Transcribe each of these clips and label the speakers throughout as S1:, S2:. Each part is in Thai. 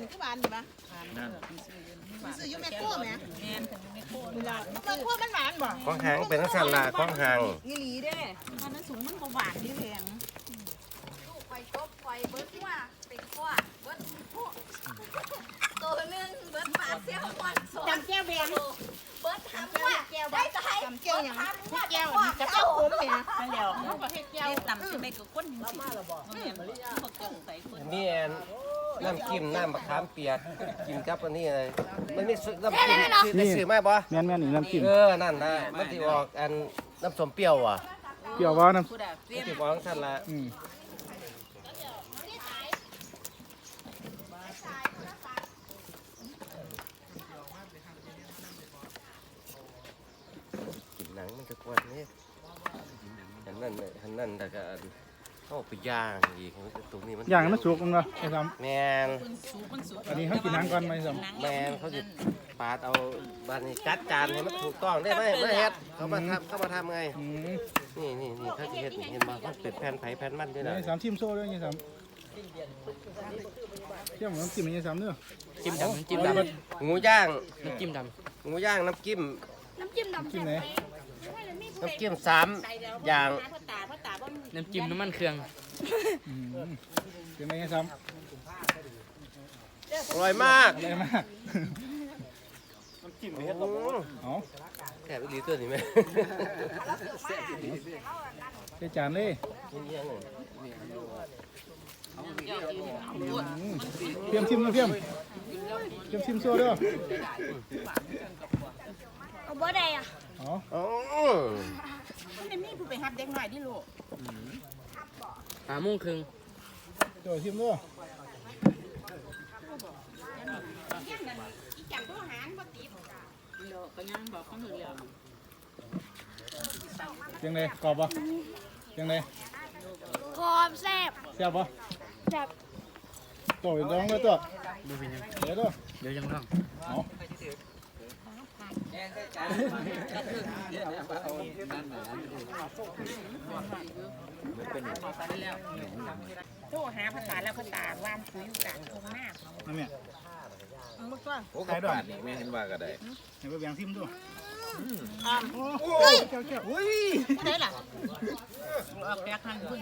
S1: นี่คือหวานอยู่ปะซื้ออยู่แม่โค้ไหมแม่แม่โค้แม่โค้มันหวานบ่
S2: ของหางเป็นนักสันละของหาง
S1: อีหลีเด้ตอนนั้นสูงมันบ่หวานนี่แพง
S3: ลูกไฟจบไฟเบิร์ดว่าเป็นข้อเบิร์ดตัวนึงเบิร์ดปาดเสี้ยววันสอง
S1: จำแก้วแบง
S3: เบิร์ดทำว่าได้ใจ
S1: จำแก้วอย่างแก้วกับแก้วขมเนี่ยนั่นแหละเขาก็ให้แก้วต่ำใช่ไหมก็ก้นสิ
S2: นี่น้ำจิ้มน้ำมะขามเปียกกินกับอันนี้เลยมันนี่น้ำจิ้มได้ซื้อไหมบ่
S4: แม่นนี่น้ำจิ้ม
S2: นั่นนะมันที่ออกอันน้ำส้มเปรี้ยวอ่ะ
S4: เปรี้ยวว่าน้ำ
S2: มันที่ออกสั่นละกินหนังมันจะกวนนี่อันนั้นแต่ก็เข้าไปย่างอีกตรงนี้มัน
S4: ย่างมันสุกมั้งเหรอไอ้ซ้
S2: ำแมน
S4: อันนี้เขากินหนังก่อนไหมซ้
S2: ำแมนเขาจะปาดเอาบ้านนี้จัดจานให้มันถูกต้องได้ไหมไม่เฮ็ดเขามาทำไงนี่เขาจะเฮ็ดเห็นบ้างเขาเป็นแผ่นไผ่แผ่นมันด้วยนะ
S4: ไอ้ซ้ำชิมโซ่ด้วยไอ้ซ้ำเที่ยวน้ำจิ้มไอ้ซ้ำเนื้อ
S5: จิ้มดำน้ำจิ้มด
S2: ำงูย่าง
S5: น้ำจิ้มด
S2: ำงูย่างน้ำจิ้ม
S4: ดำจิ้มไหน
S2: น้ำจิ้ม3อย่าง
S5: น้ำจิ้มน้ำมันเครื่อง
S4: เป็นไงซ้ำ
S2: อร่อยมาก
S4: อร่อยมาก
S2: น้ำจิ้มไม่เฮ็ดหรอกแค่ไปรีตัวนี่ไหม
S4: ใส่จานเลยเพียมชิมนะเพียมชิมโซ่ด้วย
S3: เอาบ่ได้อ่ะ
S1: มันมีผู้ไปหับเด็กหน่อยดิลูก
S5: 5 โมงครึ่ง
S4: โจ้ชิมด้วยยังไงกรอบปะยังไง
S3: กรอบแซ่บ
S4: แซ่บปะ
S3: แซ่บ
S4: โจ้ยร้องเลยตัวเดี๋ยวด้วย
S5: เดี๋ยวยังร้อง
S1: โทรหาภาษาแล้วภาษาวานคุยอยู่กันตรงหน้า
S4: นั่นเนี่ย
S1: มึงก็
S2: โอ้ขายด้วยไม่เห็นว่าก็ได้
S4: เห็นไปแบ่งทิมด้วย
S1: โอ้ย
S4: อุ้ย
S1: ไหนล่ะเอาแป๊กหันขึ้น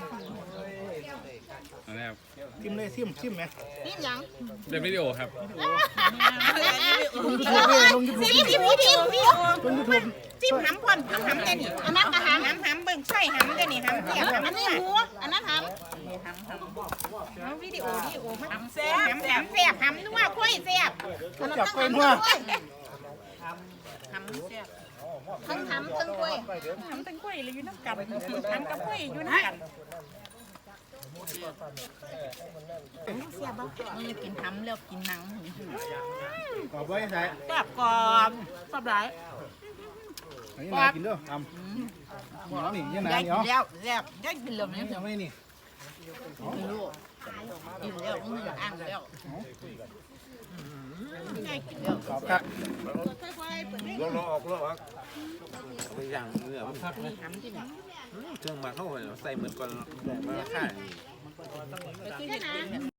S4: ทิมเลยทิมไหม
S1: ทิมยัง
S5: เดี๋ยววิดีโอครับ
S1: ลงยูทูบจิ้มหำพ่นหำเด่นี่อันนั้นหำเบิ่งใช่หำเด่นี่หำเสียบหำอันนี้หัวอันนั้นหำวิดีโอหำแซ่บหำนัวคุยแซ่บ
S4: จับเป็นว่า
S1: หำแซ่บทั้งหำทั้งคุยหำทั้งคุยเลยอยู่น้ำกันหำกับคุยอยู่น้ำกันเสียบ้างกินหำแล้วกินหนัง
S4: กรอบไว้ใส่
S1: แซ่บกรอบสบาย
S4: อันนี้นายกินด้วยทำหมอนี่ยังไงเนาะ
S1: แล้วแซ่บได้กินเลยมั้ย
S4: ยังไม่นี่
S1: ลูกกินแล้วมึงอ่างแล้ว
S4: กรอบครับ
S2: ลองออกไปอย่างเนื้อมันพักเลยเครื่องมาเข้าไปใส่เหมือนก่อนมาค่าย